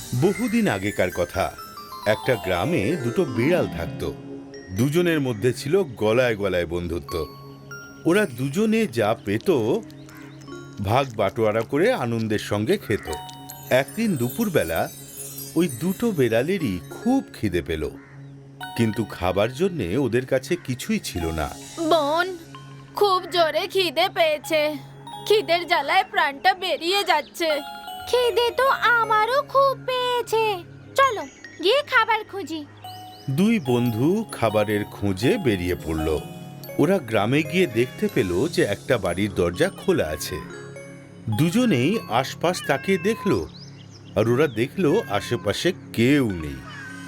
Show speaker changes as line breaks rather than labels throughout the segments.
বহুদিন আগেকার কথা। একটা গ্রামে দুটো বিড়াল থাকত। দুজনের মধ্যে ছিল গলায় গলায় বন্ধুত্ব। ওরা দুজনে যা পেত ভাগ বাটোয়ারা করে আনন্দের সঙ্গে খেত। একদিন দুপুরবেলা ওই দুটো বিড়ালেরই খুব খিদে পেল, কিন্তু খাবার জন্যে ওদের কাছে কিছুই ছিল না।
বোন, খুব জোরে খিদে পেয়েছে। খিদের জ্বালায় প্রাণটা বেরিয়ে যাচ্ছে। খিদে তো আমারও খুব পেয়েছে, চলো গিয়ে খাবার খুঁজি।
দুই বন্ধু খাবারের খোঁজে বেরিয়ে পড়ল। ওরা গ্রামে গিয়ে দেখতে পেল যে একটা বাড়ির দরজা খোলা আছে। দুজনেই আশপাশ তাকিয়ে দেখল, আর ওরা দেখল আশেপাশে কেউ নেই।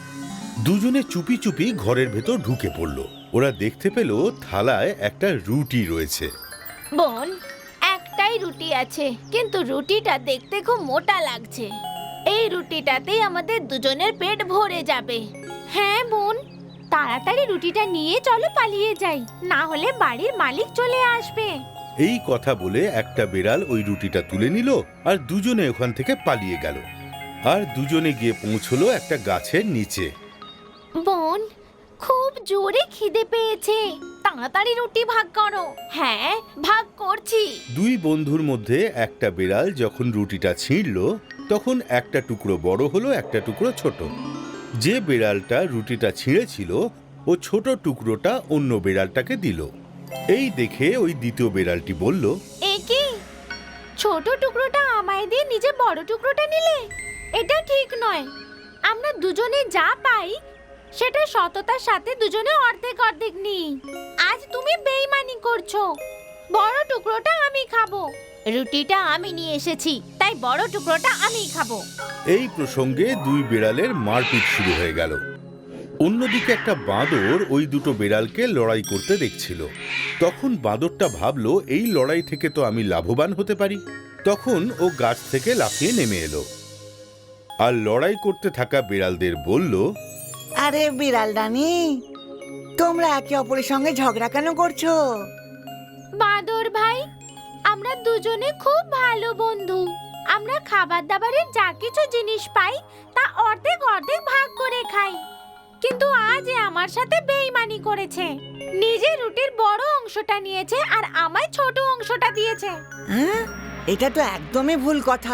দুজনে চুপি চুপি ঘরের ভেতর ঢুকে পড়ল। ওরা দেখতে পেল থালায় একটা রুটি রয়েছে।
বোন, একটাই রুটি আছে, কিন্তু রুটিটা দেখতে খুব মোটা লাগছে। এই রুটিটাতেই আমাদের দুজনের পেট ভরে যাবে। হ্যাঁ বোন, তাড়াতাড়ি রুটিটা নিয়ে চলো পালিয়ে যাই, না হলে বাড়ির মালিক চলে আসবে।
এই কথা বলে একটা বিড়াল ওই রুটিটা তুলে নিল আর দুজনে ওখান থেকে পালিয়ে গেল। আর দুজনে গিয়ে পৌঁছলো একটা গাছের নিচে।
বোন, খুব জোরে খিদে পেয়েছে, তাড়াতাড়ি রুটি ভাগ করো। হ্যাঁ, ভাগ করছি।
দুই বন্ধুর মধ্যে একটা বিড়াল যখন রুটিটা ছিঁড়ল, তখন একটা টুকরো বড় হলো, একটা টুকরো ছোট। যে বিড়ালটা রুটিটা ছিঁড়েছিল ও ছোট টুকরোটা অন্য বিড়ালটাকে দিল। এই দেখে ওই দ্বিতীয় বিড়ালটি বলল,
এ কি, ছোট টুকরোটা আমায় দিয়ে নিজে বড় টুকরোটা নিলে? এটা ঠিক নয়। আমরা দুজনে যা পাই সেটা সততার সাথে দুজনে অর্ধেক অর্ধেক নিই। আজ তুমি বেইমানি করছো। বড় টুকরোটা আমি খাবো। রুটিটা আমি নিয়ে এসেছি, তাই বড় টুকরোটা আমি খাবো।
এই প্রসঙ্গে দুই বিড়ালের মারপিট শুরু হয়ে গেল। অন্যদিকে একটা বাঁদর ওই দুটো বিড়ালকে লড়াই করতে দেখছিল। তখন বাঁদরটা ভাবলো, এই লড়াই থেকে তো আমি লাভবান হতে পারি। তখন ও গাছ থেকে লাফিয়ে নেমে এলো আর লড়াই করতে থাকা বিড়ালদের বলল,
আরে বিড়াল রানী, তোমরা একে অপরের সঙ্গে ঝগড়া কেন করছো?
বাঁদর ভাই, আমরা দুজনে খুব ভালো বন্ধু। আমরা খাবার দাবারের যা কিছু জিনিস পাই তা অর্ধেক অর্ধেক ভাগ করে খাই, কিন্তু আজ এ আমার সাথে বেইমানি করেছে। নিজে রুটির বড় অংশটা নিয়েছে আর আমায় ছোট অংশটা দিয়েছে।
হ্যাঁ, এটা তো একদমই ভুল কথা।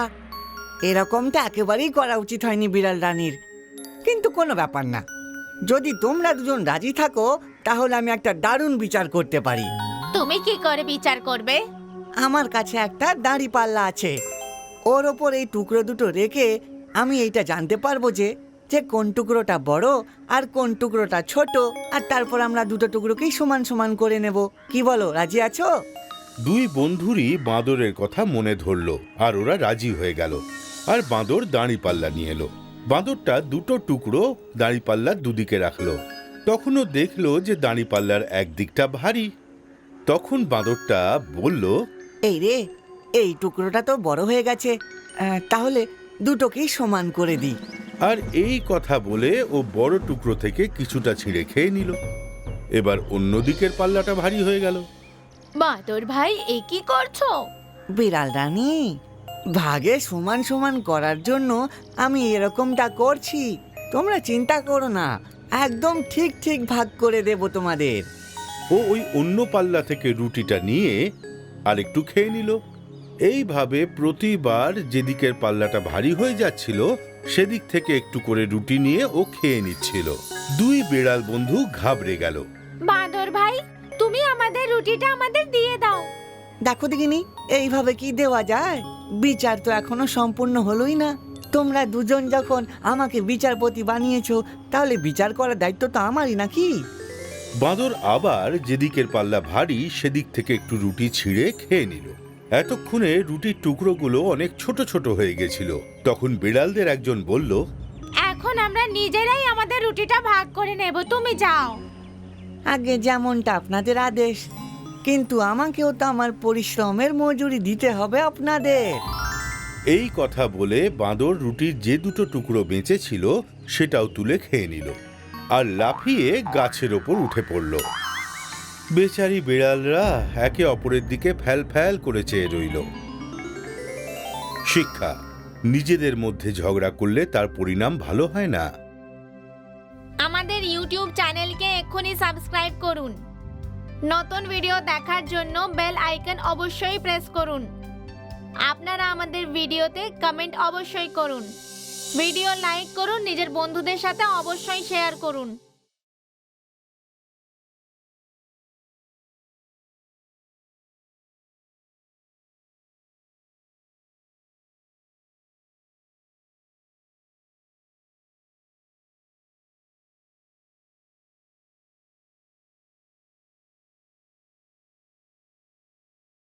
এরকমটা একেবারেই করা উচিত হয়নি বিড়াল রানীর। কিন্তু কোনো ব্যাপার না, যদি তোমরা দুজন রাজি থাকো তাহলে আমি একটা দারুণ বিচার করতে পারি।
তুমি কি করে বিচার করবে?
আমার কাছে একটা দাঁড়িপাল্লা আছে। ওর ওপর এই টুকরো দুটো রেখে আমি এইটা জানতে পারবো যে কোন টুকরোটা বড় আর কোন টুকরোটা ছোট, আর তারপর আমরা দুটো টুকরোকেই সমান সমান করে নেব। কি বলো, রাজি আছো?
দুই বন্ধুরই বাঁদরের কথা মনে ধরল আর ওরা রাজি হয়ে গেল। আর বাঁদর দাঁড়িপাল্লা নিয়ে এলো। বাঁদরটা দুটো টুকরো দাঁড়িপাল্লার দুদিকে রাখলো। তখনও দেখলো যে দাঁড়িপাল্লার একদিকটা ভারী। তখন বাঁদরটা বলল,
এই রে, এই টুকরোটা তো বড় হয়ে গেছে, তাহলে দুটোকেই সমান করে দিই।
আর এই কথা বলে ও বড় টুকরো থেকে কিছুটা ছিঁড়ে খেয়ে নিল। এবার অন্য দিকের পাল্লাটা ভারী হয়ে গেল।
বাঁদর ভাই, এ কি করছো?
বিড়াল রানী, ভাগে সমান সমান করার জন্য আমি এরকমটা করছি। তোমরা চিন্তা করো না, একদম ঠিক ঠিক ভাগ করে দেব তোমাদের।
ও ওই অন্য পাল্লা থেকে রুটিটা নিয়ে আর একটু খেয়ে নিল। এইভাবে প্রতিবার যেদিকের পাল্লাটা ভারী হয়ে যাচ্ছিল সেদিক থেকে একটু করে রুটি নিয়ে ও খেয়ে নিচ্ছিল। দুই বিড়াল বন্ধু ঘাবড়ে গেল।
বাঁদর ভাই, তুমি আমাদের রুটিটা আমাদের দিয়ে দাও।
দেখো দেখিনি, এইভাবে কি দেওয়া যায়? বিচার তো এখনো সম্পূর্ণ হলোই না। তোমরা দুজন যখন আমাকে বিচারপতি বানিয়েছো, তাহলে বিচার করার দায়িত্ব তো আমারই নাকি?
বাঁদর আবার যেদিকের পাল্লা ভারী সেদিক থেকে একটু রুটি ছিঁড়ে খেয়ে নিল। এতক্ষণে রুটির টুকরোগুলো অনেক ছোট ছোট হয়ে গেছিল। তখন বিড়ালদের একজন বলল,
এখন আমরা নিজেরাই আমাদের রুটিটা ভাগ করে নেব, তুমি যাও।
আগে যেমনটা আপনাদের আদেশ, কিন্তু আমাকেও তো আমার পরিশ্রমের মজুরি দিতে হবে আপনাদের।
এই কথা বলে বাঁদর রুটির যে দুটো টুকরো বেঁচে ছিল সেটাও তুলে খেয়ে নিল আর লাফিয়ে গাছের ওপর উঠে পড়ল। বেচারি বিড়ালরা একে অপরের দিকে ফ্যাল ফ্যাল করে চেয়ে রইল। শিক্ষা: নিজেদের মধ্যে ঝগড়া করলে তার পরিণাম ভালো হয় না।
আমাদের ইউটিউব চ্যানেলকে এক্ষুনি সাবস্ক্রাইব করুন। নতুন ভিডিও দেখার জন্য বেল আইকন অবশ্যই প্রেস করুন। আপনারা আমাদের ভিডিওতে কমেন্ট অবশ্যই করুন। ভিডিও লাইক করুন, নিজের বন্ধুদের সাথে অবশ্যই শেয়ার করুন।